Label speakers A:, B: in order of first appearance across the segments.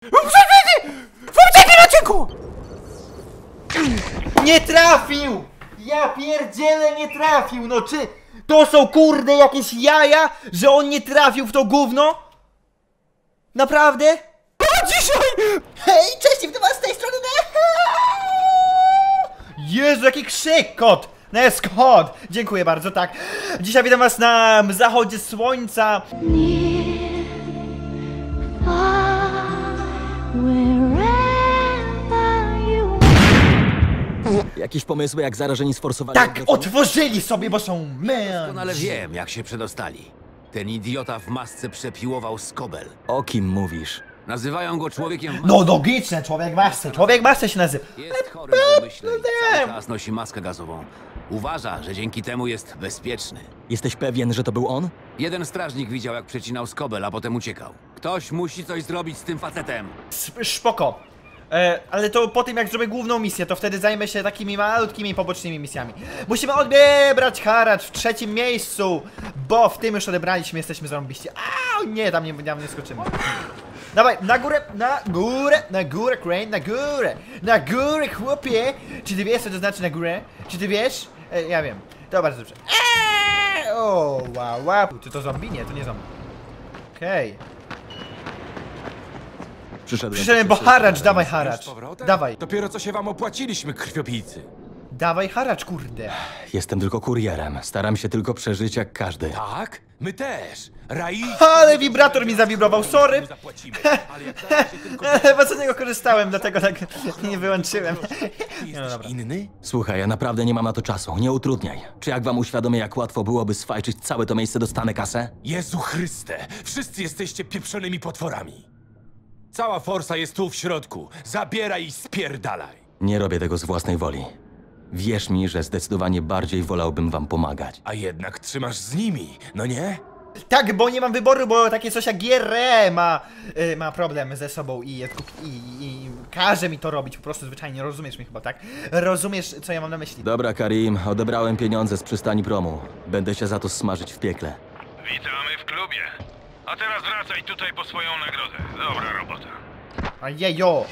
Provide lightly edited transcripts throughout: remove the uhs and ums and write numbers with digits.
A: W poprzednim odcinku! Nie trafił! Ja pierdzielę, nie trafił! No czy to są kurde jakieś jaja, że on nie trafił w to gówno? Naprawdę? O, dzisiaj! Hej, cześć, witam was z tej strony! Jezu, jaki krzyk, kot! No jest kot! Dziękuję bardzo, tak. Dzisiaj witam was na zachodzie słońca.
B: Jakieś pomysły, jak zarażeni sforsowali?
A: Tak, otworzyli sobie, bo są
C: Doskonale wiem, jak się przedostali. Ten idiota w masce przepiłował Skobel.
B: O kim mówisz?
C: Nazywają go człowiekiem...
A: No logiczne, człowiek masy się nazywa.
C: Jest chory na umyśle i cały czas nosi maskę gazową. Uważa, że dzięki temu jest bezpieczny.
B: Jesteś pewien, że to był on?
C: Jeden strażnik widział, jak przecinał Skobel, a potem uciekał. Ktoś musi coś zrobić z tym facetem.
A: Spoko. Ale to po tym, jak zrobię główną misję, to wtedy zajmę się takimi malutkimi pobocznymi misjami. Musimy odebrać haracz w 3. miejscu, bo w tym już odebraliśmy, jesteśmy zarąbiści. A nie, tam nie skoczymy. Dawaj, na górę, Crane, na górę, chłopie. Czy ty wiesz, co to znaczy na górę? Czy ty wiesz? Ja wiem, to bardzo dobrze. O, wow. Czy to zombie? Nie, to nie zombie. Okej. Przyszedłem, bo haracz, dawaj haracz. Dawaj.
D: Dopiero co się wam opłaciliśmy, krwiopijcy.
A: Dawaj haracz, kurde.
B: Jestem tylko kurierem. Staram się tylko przeżyć jak każdy.
D: Tak? My też.
A: Ale wibrator mi zawibrował, sorry.
D: Zapłacimy. Ale jak da się tylko...
A: Chyba z niego korzystałem, dlatego tak nie wyłączyłem.
D: Jesteś inny?
B: Słuchaj, ja naprawdę nie mam na to czasu. Nie utrudniaj. Czy jak wam uświadomię, jak łatwo byłoby sfajczyć całe to miejsce, dostanę kasę?
D: Jezu Chryste! Wszyscy jesteście pieprzonymi potworami. Cała forsa jest tu w środku. Zabieraj i spierdalaj.
B: Nie robię tego z własnej woli. Wierz mi, że zdecydowanie bardziej wolałbym wam pomagać.
D: A jednak trzymasz z nimi, no nie?
A: Tak, bo nie mam wyboru, bo takie coś jak GRE ma problem ze sobą i każe mi to robić, po prostu zwyczajnie, rozumiesz mnie chyba, tak? Rozumiesz, co ja mam na myśli?
B: Dobra, Karim, odebrałem pieniądze z przystani promu. Będę się za to smażyć w piekle.
E: Witamy w klubie. A teraz wracaj tutaj po swoją nagrodę. Dobra robota.
A: Ajejo!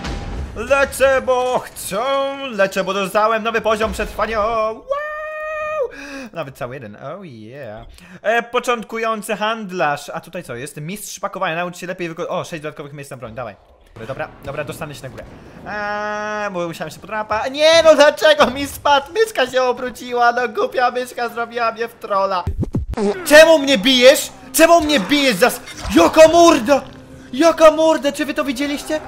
A: Lecę, bo dostałem nowy poziom przetrwania. Wow! Nawet cały jeden, oh yeah. Początkujący handlarz. A tutaj co jest? Mistrz pakowania, naucz się lepiej wykorzystać. O, 6 dodatkowych miejsc na broń, dawaj. Dobra, dostanę się na górę. Bo musiałem się podrapać. Nie no, dlaczego mi spadł? Myszka się obróciła, no głupia myszka zrobiła mnie w trolla. Czemu mnie bijesz? Czemu mnie bijesz za... Jaka morda! Czy wy to widzieliście?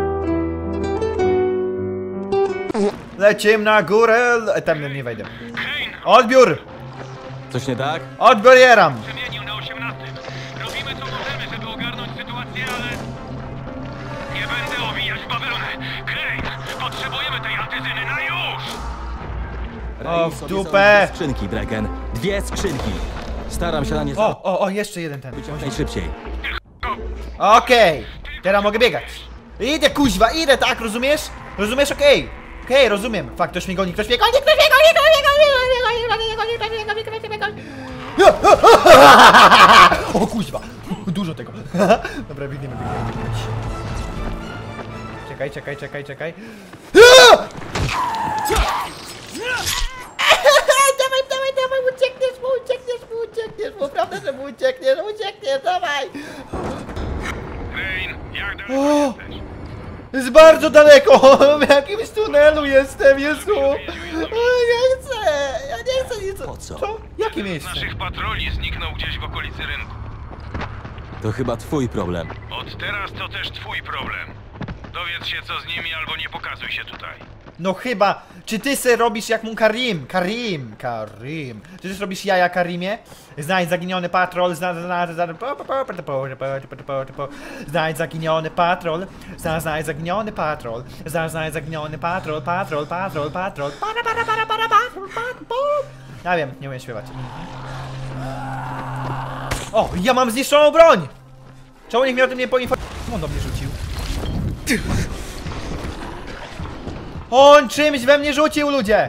A: Lecimy na górę. Tam nie wejdę. Odbiór!
B: Coś nie tak?
A: Odbieram!
E: Przemienił na 18. Robimy co możemy, żeby ogarnąć sytuację, ale... Nie będę owijać bawełnę. Crane, potrzebujemy tej antyzyny na już!
A: O, w
B: Sobie
A: dupę!
B: są 2 skrzynki, Draken. 2 skrzynki. Staram się na nie
A: O, jeszcze jeden ten.
B: najszybciej.
A: Okej, teraz mogę biegać. Idę, kuźwa, idę, tak, rozumiesz? Rozumiesz? Okej, rozumiem. Fakt, ktoś mnie goni. O, kuźwa, dużo tego. Dobra, biegniemy. Czekaj. Dawaj, uciekniesz mu, prawda, że mu uciekniesz, dawaj.
E: Crane, jak daleko jesteś?
A: Jest bardzo daleko, w jakimś tunelu jestem, Jezu. Ja nie chcę nic.
B: Po co?
A: Co? Jakie
E: Z
A: miejsce?
E: naszych patroli zniknął gdzieś w okolicy rynku.
B: To chyba twój problem.
E: Od teraz to też twój problem. Dowiedz się co z nimi albo nie pokazuj się tutaj.
A: No chyba, czy ty se robisz jak mu Karim? Czy ty też robisz jaja, Karimie? Znajdź zaginiony patrol, znajdź zaginiony patrol, ja wiem, nie umiem śpiewać. O, ja mam zniszczoną broń! Czemu nikt mnie o tym nie poinformował? On do mnie rzucił. On czymś we mnie rzucił, ludzie!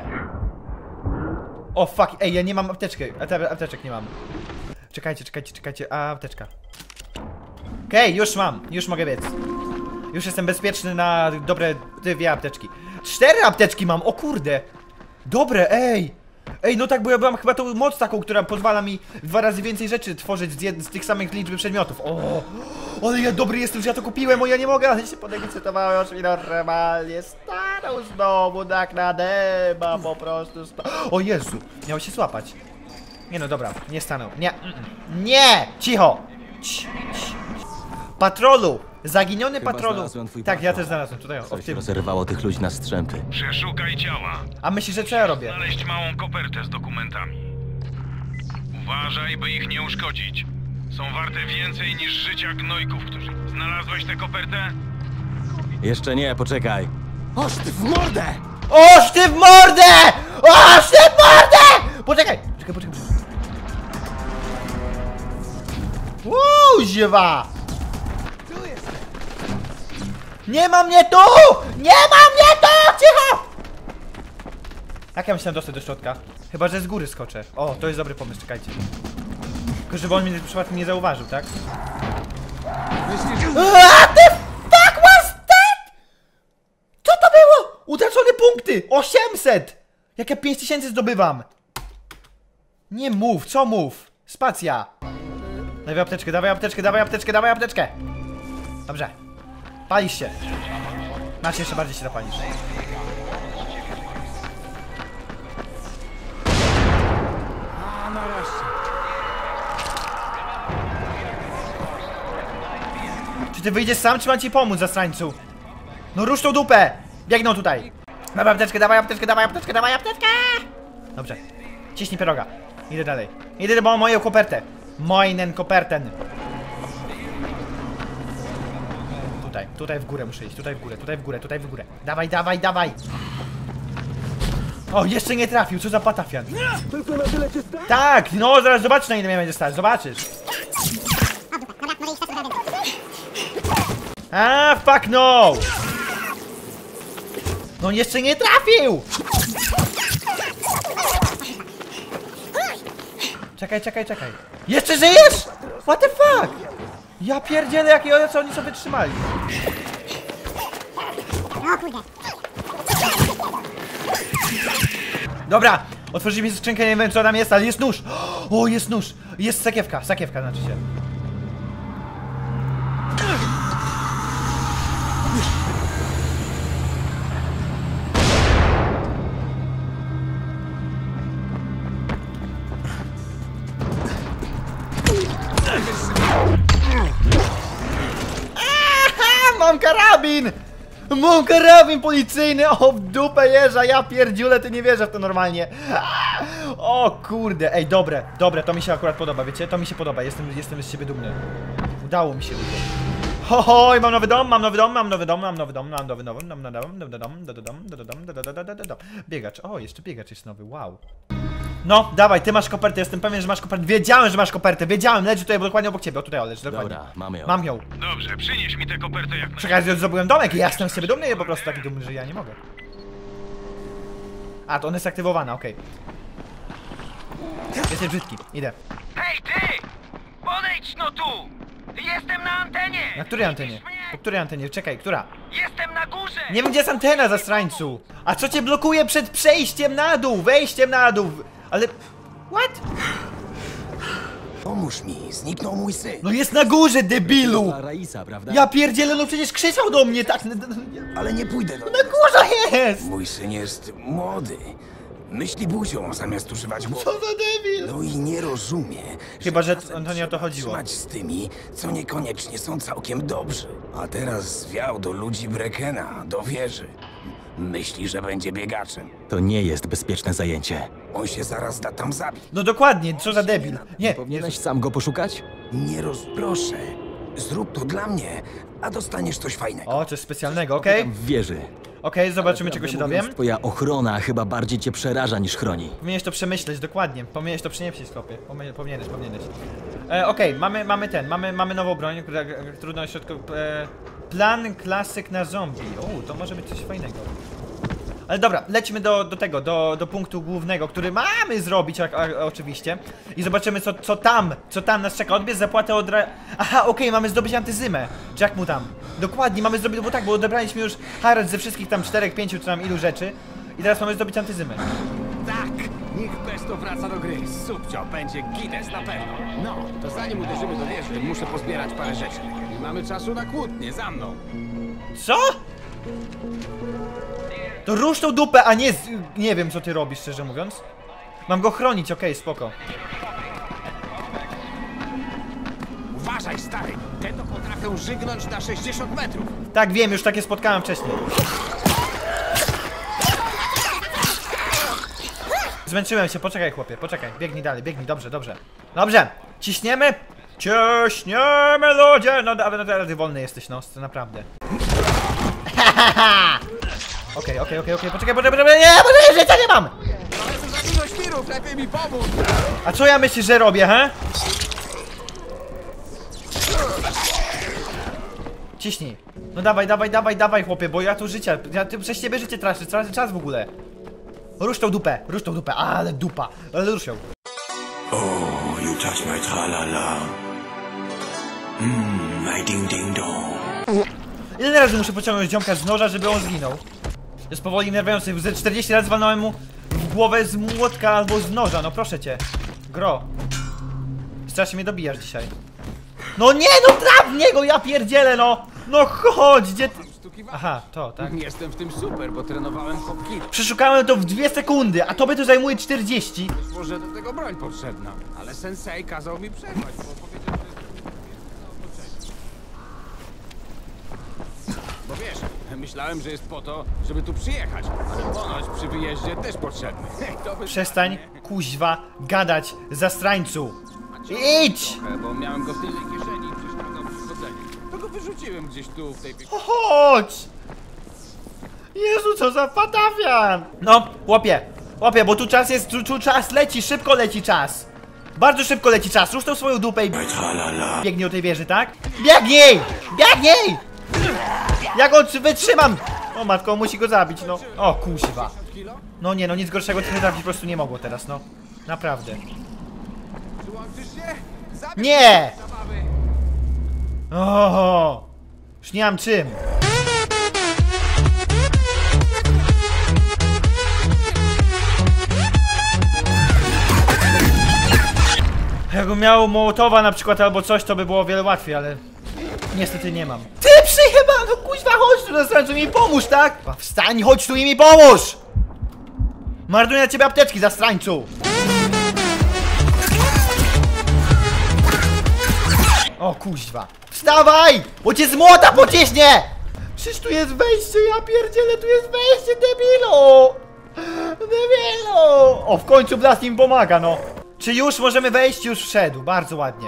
A: O fuck, ej, ja nie mam apteczki. Apteczek nie mam. Czekajcie, a apteczka. Okej, już mam, już mogę biec. Już jestem bezpieczny na dobre 2 apteczki. 4 apteczki mam, o kurde. Dobre, ej. Ej, no tak, bo ja mam chyba tą moc taką, która pozwala mi 2 razy więcej rzeczy tworzyć z tych samych liczby przedmiotów. O, ale ja dobry jestem, że ja to kupiłem, o ja nie mogę, ale się podekscytowałem, aż mi normalnie stanął znowu tak na deba, po prostu O Jezu, miał się złapać. Nie no, dobra, nie stanął, nie, nie, cicho. Patrolu, zaginiony
B: Chyba
A: patrolu.
B: znalazłem twój
A: Tak, ja
B: patrol.
A: też znalazłem, tutaj o, w
B: Coś
A: tym.
B: rozerwało tych ludzi na strzępy.
E: Przeszukaj ciała.
A: A myślisz, że co ja robię?
E: Znaleźć małą kopertę z dokumentami. Uważaj, by ich nie uszkodzić. Są warte więcej niż życia gnojków, którzy... Znalazłeś tę kopertę?
B: Jeszcze nie, poczekaj. Oż ty w mordę!
A: Oż ty w mordę! Oż ty w mordę! Poczekaj! Poczekaj. Ziewa! Nie ma mnie tu! Nie ma mnie tu! Cicho! Jak ja myślałem dostać do środka? Chyba, że z góry skoczę. O, to jest dobry pomysł, czekajcie. Tylko żeby on mnie przypadkiem nie zauważył, tak? A ty fuck was that? Co to było? Utracone punkty! 800! Jak ja 5000 zdobywam! Nie mów, co mów? Spacja! Dawaj apteczkę, dawaj apteczkę, dawaj apteczkę, dawaj apteczkę! Dobrze. Palisz się. Masz jeszcze bardziej się zapalisz. Czy ty wyjdziesz sam, czy mam ci pomóc, zastrańcu? No rusz tą dupę! Biegną tutaj! Dawaj apteczkę, dawaj apteczkę, dawaj apteczkę, dawaj apteczkę! Dobrze. Ciśnij pieroga. Idę dalej. Idę, bo mam moją kopertę. Moinen koperten. Tutaj w górę muszę iść, tutaj w górę, tutaj w górę, tutaj w górę. Dawaj, dawaj, dawaj! O, jeszcze nie trafił, co za patafian. Tak, no zaraz zobaczysz, na ile mnie będzie stać, zobaczysz. A, fuck no! No jeszcze nie trafił! Czekaj. Jeszcze żyjesz? What the fuck? Ja pierdzielę, jakie co oni sobie trzymali. Dobra, otworzyliśmy skrzynkę, nie wiem co tam jest, ale jest nóż. O, jest nóż. Jest sakiewka znaczy się. Mam karabin! Mam karabin policyjny! O, w dupę jeża, ja pierdziule, ty nie wierzę w to normalnie. O kurde, ej, dobre, to mi się akurat podoba, wiecie? To mi się podoba, jestem z siebie dumny. Udało mi się. Hoj, mam nowy dom. Biegacz, o, jeszcze biegacz jest nowy, wow. No, dawaj, ty masz kopertę, jestem pewien, że masz kopertę. Wiedziałem, że masz kopertę, leży tutaj dokładnie obok ciebie, o tutaj leży, dokładnie.
B: Dobra, mamy ją.
A: Mam ją.
E: Dobrze, przynieś mi tę kopertę jak
A: Czekaj, że zdobyłem domek i ja jestem z siebie dumny, ja po prostu taki dumny, że ja nie mogę. A, to ona jest aktywowana, okej. Jesteś brzydki, idę.
E: Hej ty! Podejdź no tu! Jestem na antenie!
A: Na której antenie?
E: Widzisz mnie?
A: Po której antenie? Czekaj, która?
E: Jestem na górze!
A: Nie wiem, gdzie jest antena, zastrańcu! A co cię blokuje przed przejściem na dół, wejściem na dół? Ale... What?
F: Pomóż mi, zniknął mój syn.
A: No jest na górze, debilu!
B: To Raisa, prawda?
A: Ja pierdzielę, no przecież krzyczał do mnie, tak?
F: Ale nie pójdę do
A: Na
F: niego.
A: górze jest!
F: Mój syn jest młody. Myśli buzią zamiast używać
A: Co
F: głowy.
A: za debil!
F: No i nie rozumie.
A: Chyba, że
F: czasem
A: to nie o to
F: trzeba
A: chodziło.
F: trzymać z tymi, co niekoniecznie są całkiem dobrzy. A teraz zwiał do ludzi Brekena, do wieży. Myśli, że będzie biegaczem.
B: To nie jest bezpieczne zajęcie.
F: On się zaraz da tam zabić.
A: No dokładnie, co za debil. Nie,
B: Powinieneś sam go poszukać?
F: Nie proszę. Zrób to dla mnie, a dostaniesz coś fajnego.
A: O, coś specjalnego, okej?
B: Tam w wieży.
A: Okej, zobaczymy, czego się
B: Prawdę mówiąc,
A: dowiem.
B: Twoja ochrona chyba bardziej cię przeraża niż chroni.
A: Powinieneś to przemyśleć, dokładnie. Powinieneś to przynieść, skopie. Powinieneś. Okej, mamy nową broń, która trudno środków. Plan klasyk na zombie. O, to może być coś fajnego. Ale dobra, lecimy do tego, do punktu głównego, który mamy zrobić oczywiście. I zobaczymy co tam nas czeka. Odbierz zapłatę od... Aha, okej, mamy zdobyć antyzymę. Czy jak mu tam? Dokładnie, mamy zdobyć, bo tak, bo odebraliśmy już haracz ze wszystkich tam 4, 5 czy tam ilu rzeczy. I teraz mamy zdobyć antyzymę.
C: Tak! Niech Pesto wraca do gry. Subcio, będzie gites na pewno. No, to zanim uderzymy do wieży, muszę pozbierać parę rzeczy. Nie mamy czasu na kłótnie, za mną.
A: Co? To rusz tą dupę, a nie nie wiem co ty robisz, szczerze mówiąc. Mam go chronić, okej, spoko.
C: Uważaj, stary! Te to potrafią żygnąć na 60 metrów.
A: Tak, wiem, już takie spotkałem wcześniej. Zmęczyłem się, poczekaj chłopie, poczekaj. Biegnij dalej, biegnij, dobrze, dobrze. Dobrze, ciśniemy. Ciśniemy ludzie. No ale ty wolny jesteś, no, naprawdę. Okej, poczekaj, nie, bo życia nie mam!
C: Ale to za dużo świrów, lepiej mi pomóc!
A: A co ja myślisz, że robię, he? Ciśnij. No dawaj, chłopie, bo ja tu życia, przez ciebie życie tracę czas w ogóle. Rusz tą dupę, ale dupa, ale rusz ją.
G: Oh, you touch my tra-la-la. My ding-ding-dong.
A: Ile razy muszę pociągnąć ziomka z noża, żeby on zginął? Jest powoli nerwiający, ze 40 razy walnąłem mu w głowę z młotka albo z noża, no proszę cię. Gro. Strasznie mnie dobijasz dzisiaj. No nie, no traf w niego, ja pierdzielę, no! No chodź, gdzie ty... Aha, to, tak?
C: Jestem w tym super, bo trenowałem hopki.
A: Przeszukałem to w 2 sekundy, a tobie to zajmuje 40.
C: Być może do tego broń potrzebna. Ale sensei kazał mi przerwać, bo powiedział, że... Bo wiesz, myślałem, że jest po to, żeby tu przyjechać. Ale ponoć przy wyjeździe też potrzebny.
A: Przestań, kuźwa, gadać, zastrańcu. Idź!
C: Bo miałem go w tylnej kieszeni i przeszkadzał przy chodzeniu. To go wyrzuciłem gdzieś tu, w tej...
A: Chodź! Jezu, co za patafian! No, łopie, bo tu czas jest, tu czas leci, szybko leci czas. Bardzo szybko leci czas, rusz tą swoją dupę i... Biegnij do tej wieży, tak? Biegnij! Biegnij! Ja go wytrzymam! O matko, musi go zabić, no. O, kuźwa. No nie, no nic gorszego ty trafić po prostu nie mogło teraz, no. Naprawdę. Nie! Oho! Już nie mam czym. Jakbym miał Mołotowa na przykład albo coś, to by było o wiele łatwiej, ale niestety nie mam. Ty przyjebano, kuźwa, chodź tu na strańcu i mi pomóż, tak? Wstań, chodź tu i mi pomóż! Marnuję na ciebie apteczki, zastrańcu! O kuźwa. Wstawaj! Bo cię z młota pociśnie! Przecież tu jest wejście, ja pierdzielę, tu jest wejście, debilu! Debilu! O, w końcu Blast im pomaga, no. Czy już możemy wejść? Już wszedł, bardzo ładnie.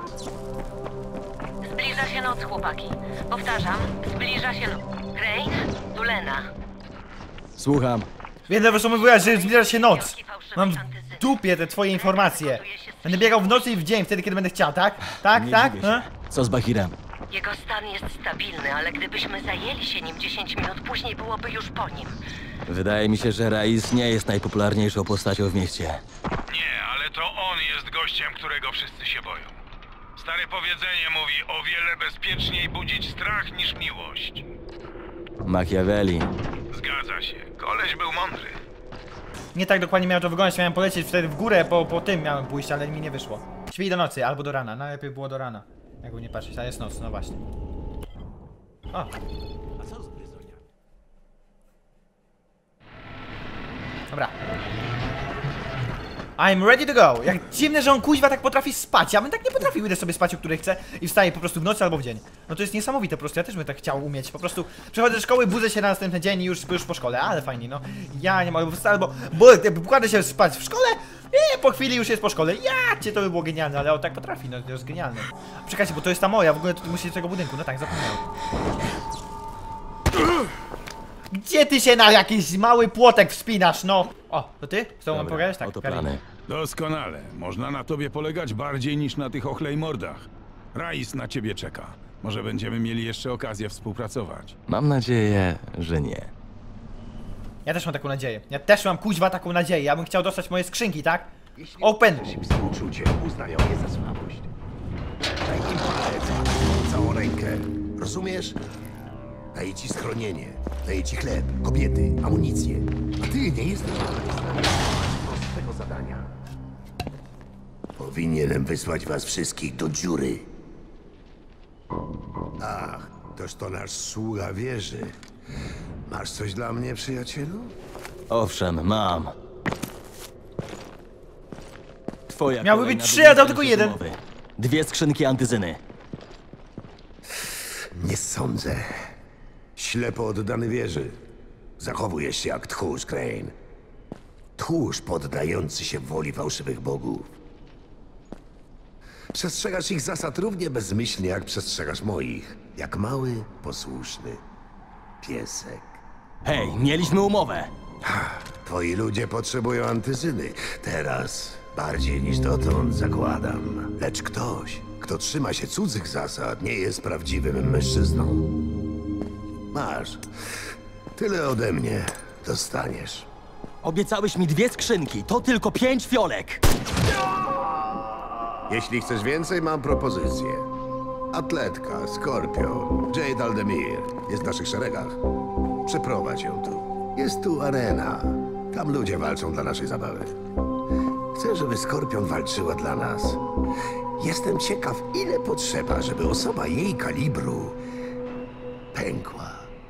H: Zbliża się noc, chłopaki. Powtarzam, zbliża się noc. Grace, tu Lena.
B: Słucham.
A: Wiem, że mówiłaś, że zbliża się noc. Mam w dupie te twoje informacje. Będę biegał w nocy i w dzień, wtedy kiedy będę chciał, tak? Tak, tak?
B: Co z Bahirem?
H: Jego stan jest stabilny, ale gdybyśmy zajęli się nim 10 minut później, byłoby już po nim.
B: Wydaje mi się, że Raiz nie jest najpopularniejszą postacią w mieście.
E: Nie, ale to on jest gościem, którego wszyscy się boją. Stare powiedzenie mówi, o wiele bezpieczniej budzić strach niż miłość.
B: Machiavelli.
E: Zgadza się. Koleś był mądry.
A: Nie tak dokładnie miałem to wyglądać, miałem polecieć wtedy w górę, po tym miałem pójść, ale mi nie wyszło. Śpij do nocy, albo do rana, najlepiej było do rana. Jakby nie patrzeć, a jest noc, no właśnie. O. Dobra. I'm ready to go. Jak dziwne, że on kuźwa tak potrafi spać. Ja bym tak nie potrafił, idę sobie spać, o której chcę i wstaję po prostu w nocy albo w dzień. No to jest niesamowite po prostu, ja też bym tak chciał umieć. Po prostu przechodzę do szkoły, budzę się na następny dzień i już po szkole, ale fajnie, no. Ja nie mogę, bo kładę się spać w szkole i po chwili już jest po szkole. Ja cię, to by było genialne, ale on tak potrafi, no to jest genialne. Czekajcie, bo to jest ta moja, w ogóle tu musi do tego budynku, no tak, zapomniałem. Gdzie ty się na jakiś mały płotek wspinasz, no? O, to ty? Z tobą mam pogadać? Tak,
B: oto plany.
I: Doskonale. Można na tobie polegać bardziej niż na tych ochlejmordach. Raiz na ciebie czeka. Może będziemy mieli jeszcze okazję współpracować.
B: Mam nadzieję, że nie.
A: Ja też mam taką nadzieję. Ja też mam kuźwa taką nadzieję. Ja bym chciał dostać moje skrzynki, tak? Open!
J: Współczucie uznają je za słabość. Daj im palec, całą rękę. Rozumiesz? Daję ci schronienie, daję ci chleb, kobiety, amunicję. A ty nie jesteś prostego zadania. Powinienem wysłać was wszystkich do dziury. Ach, toż to nasz sługa wieży. Masz coś dla mnie, przyjacielu?
B: Owszem, mam. Twoja
A: Miały
B: kolejna
A: być 3, a dał
B: budynka
A: tylko 1.
B: umowy. 2 skrzynki antyzyny.
J: Nie sądzę. Ślepo oddany wieży. Zachowujesz się jak tchórz, Crane. Tchórz poddający się woli fałszywych bogów. Przestrzegasz ich zasad równie bezmyślnie, jak przestrzegasz moich. Jak mały, posłuszny piesek.
B: Hej, mieliśmy umowę.
J: Twoi ludzie potrzebują antyzyny. Teraz bardziej niż dotąd, zakładam. Lecz ktoś, kto trzyma się cudzych zasad, nie jest prawdziwym mężczyzną. Masz. Tyle ode mnie dostaniesz.
B: Obiecałeś mi 2 skrzynki, to tylko 5 fiolek.
J: Jeśli chcesz więcej, mam propozycję. Atletka, Skorpion, Jade Aldemir jest w naszych szeregach. Przeprowadź ją tu. Jest tu arena. Tam ludzie walczą dla naszej zabawy. Chcę, żeby Skorpion walczyła dla nas. Jestem ciekaw, ile potrzeba, żeby osoba jej kalibru pękła.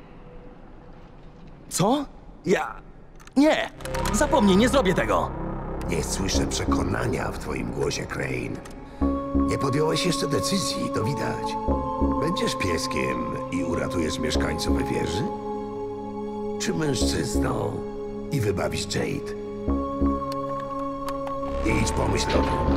B: Co? Nie! Zapomnij, nie zrobię tego!
J: Nie słyszę przekonania w twoim głosie, Crane. Nie podjąłeś jeszcze decyzji, to widać. Będziesz pieskiem i uratujesz mieszkańców wieży? Czy mężczyzną i wybawisz Jade? Idź pomyśl o tym.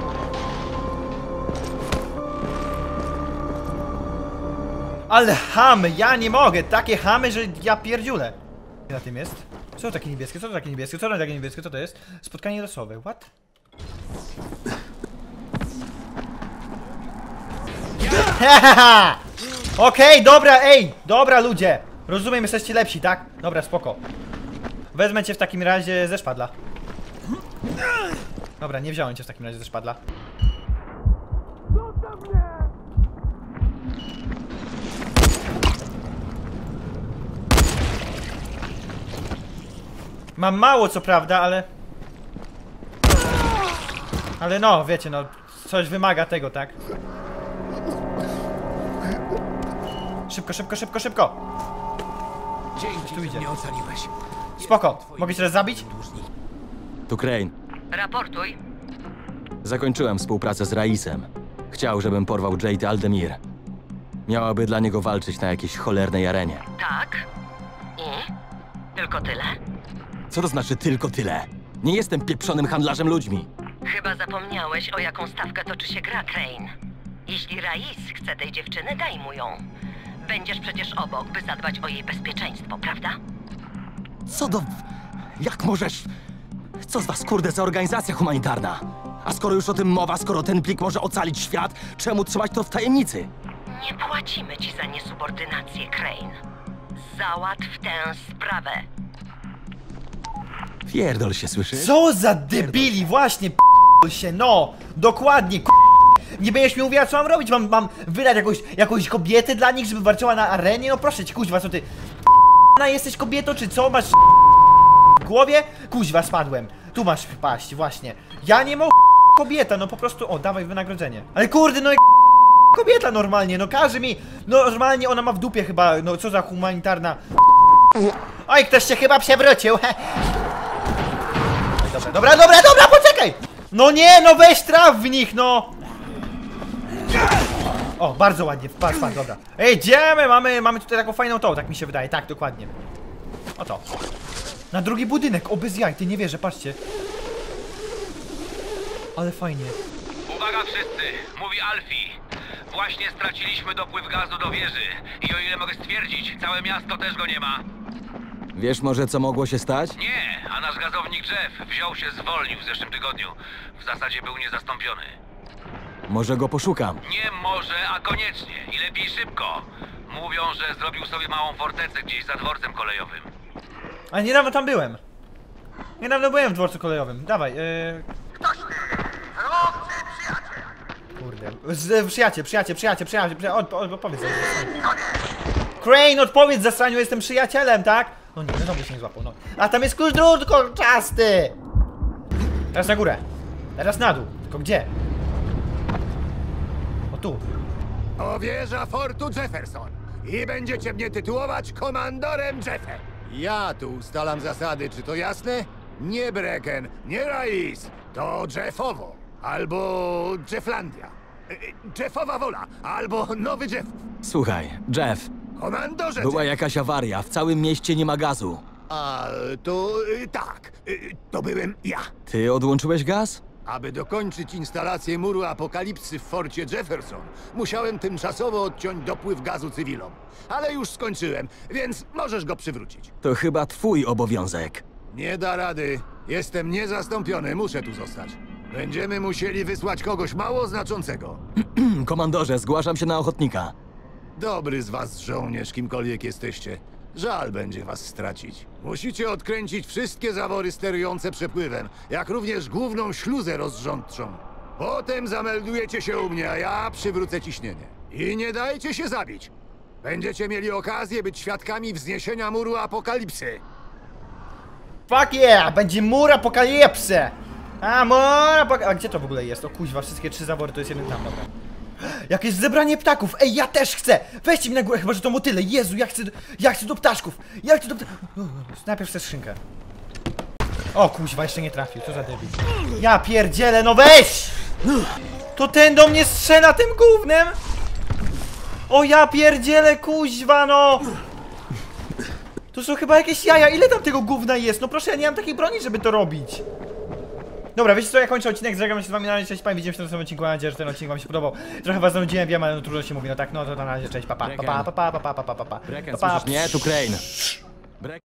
A: Ale chamy, ja nie mogę. Takie chamy, że ja pierdziulę. Na tym jest? Co to takie niebieskie? Co to takie niebieskie? Co to takie niebieskie? Co to jest? Spotkanie losowe. What? Hahaha! Okej, dobra, ej! Dobra, ludzie! Rozumiem, jesteście lepsi, tak? Dobra, spoko. Wezmę cię w takim razie ze szpadla. Dobra, nie wziąłem cię w takim razie ze szpadla. Mam mało, co prawda, ale... Ale no, wiecie, no... Coś wymaga tego, tak? Szybko, szybko, szybko, szybko!
C: Dzięki,
A: tu
C: że
A: idzie.
C: mnie ocaliłeś.
A: Spoko, mogę cię teraz zabić?
B: Tu Crane.
H: Raportuj.
B: Zakończyłem współpracę z Raisem. Chciał, żebym porwał Jade Aldemir. Miałaby dla niego walczyć na jakiejś cholernej arenie.
H: Tak? I? Tylko tyle?
B: Co to znaczy tylko tyle? Nie jestem pieprzonym handlarzem ludźmi.
H: Chyba zapomniałeś, o jaką stawkę toczy się gra, Crane. Jeśli Rais chce tej dziewczyny, daj mu ją. Będziesz przecież obok, by zadbać o jej bezpieczeństwo, prawda?
B: Co do... Jak możesz... Co z was, kurde, za organizacja humanitarna? A skoro już o tym mowa, skoro ten plik może ocalić świat, czemu trzymać to w tajemnicy?
H: Nie płacimy ci za niesubordynację, Crane. Załatw tę sprawę.
B: Pierdol się, słyszysz?
A: Co za debili, właśnie, się, no! Dokładnie, nie będziesz mi mówiła, co mam robić, mam wydać jakąś kobietę dla nich, żeby walczyła na arenie? No proszę cię, kuźwa, co ty... jesteś kobietą, czy co? Masz w głowie? Kuźwa, spadłem. Tu masz paść, właśnie. Ja nie mogę, kobieta, no po prostu, o, dawaj wynagrodzenie. Ale kurde, no kobieta normalnie, no każe mi, no normalnie ona ma w dupie chyba, no co za humanitarna... Oj, ktoś się chyba przewrócił. Dobra, poczekaj! No nie, no weź traf w nich, no! O, bardzo ładnie, patrz, dobra. Ej, idziemy, mamy tutaj taką fajną tą, tak mi się wydaje, tak, dokładnie. Oto. Na drugi budynek, o bez jaj, ty nie wierzę, patrzcie. Ale fajnie.
E: Uwaga wszyscy, mówi Alfie. Właśnie straciliśmy dopływ gazu do wieży. I o ile mogę stwierdzić, całe miasto też go nie ma.
B: Wiesz może, co mogło się stać?
E: Nie, a nasz gazownik Jeff wziął się, zwolnił w zeszłym tygodniu. W zasadzie był niezastąpiony.
B: Może go poszukam.
E: Nie może, a koniecznie. I lepiej szybko. Mówią, że zrobił sobie małą fortecę gdzieś za dworcem kolejowym.
A: A niedawno tam byłem. Niedawno byłem w dworcu kolejowym. Dawaj, Kurde. Przyjaciel, odpowiedz. Crane, odpowiedz zasraniu, jestem przyjacielem, tak? No nie, no się nie złapał, no. A tam jest klucz drut kolczasty! Teraz na górę. Teraz na dół. Tylko gdzie? O tu.
J: O wieża Fortu Jefferson. I będziecie mnie tytułować komandorem Jeffem. Ja tu ustalam zasady, czy to jasne? Nie Brecken, nie Rais. To Jeffowo. Albo Jefflandia. Jeffowa wola. Albo Nowy Jeff.
B: Słuchaj, Jeff,
J: Komandorze
B: była
J: Jeff.
B: jakaś awaria, w całym mieście nie ma gazu.
J: A, to tak. To byłem ja.
B: Ty odłączyłeś gaz?
J: Aby dokończyć instalację muru apokalipsy w forcie Jefferson, musiałem tymczasowo odciąć dopływ gazu cywilom. Ale już skończyłem, więc możesz go przywrócić.
B: To chyba twój obowiązek.
J: Nie da rady. Jestem niezastąpiony, muszę tu zostać. Będziemy musieli wysłać kogoś mało znaczącego.
B: Komandorze, zgłaszam się na ochotnika.
J: Dobry z was żołnierz, kimkolwiek jesteście. Żal będzie was stracić. Musicie odkręcić wszystkie zawory sterujące przepływem, jak również główną śluzę rozrządczą. Potem zameldujecie się u mnie, a ja przywrócę ciśnienie. I nie dajcie się zabić. Będziecie mieli okazję być świadkami wzniesienia muru apokalipsy.
A: Fuck yeah! Będzie mur apokalipsy! A, mur apokalipsy! A gdzie to w ogóle jest? O kuźwa, wszystkie 3 zawory to jest jeden tam, dobra. Jakieś zebranie ptaków! Ej, ja też chcę! Weźcie mi na górę, chyba że to motyle! Jezu, ja chcę do ptaszków! Ja chcę do ptaszków! Najpierw chcę skrzynkę. O kuźwa, jeszcze nie trafił, co za debil. Ja pierdzielę, no weź! To ten do mnie strzela tym gównem! O ja pierdzielę, kuźwa, no! To są chyba jakieś jaja, ile tam tego gówna jest? No proszę, ja nie mam takiej broni, żeby to robić. Dobra, wiecie co, ja kończę odcinek, żegnam się z wami na razie, cześć, widzimy się w następnym odcinku, mam nadzieję, że ten odcinek wam się podobał. Trochę was zanudziłem, wiem, ale no trudno się mówi, no tak, no to na razie, cześć, pa.
B: Brecken, słyszysz mnie? Tu Crane.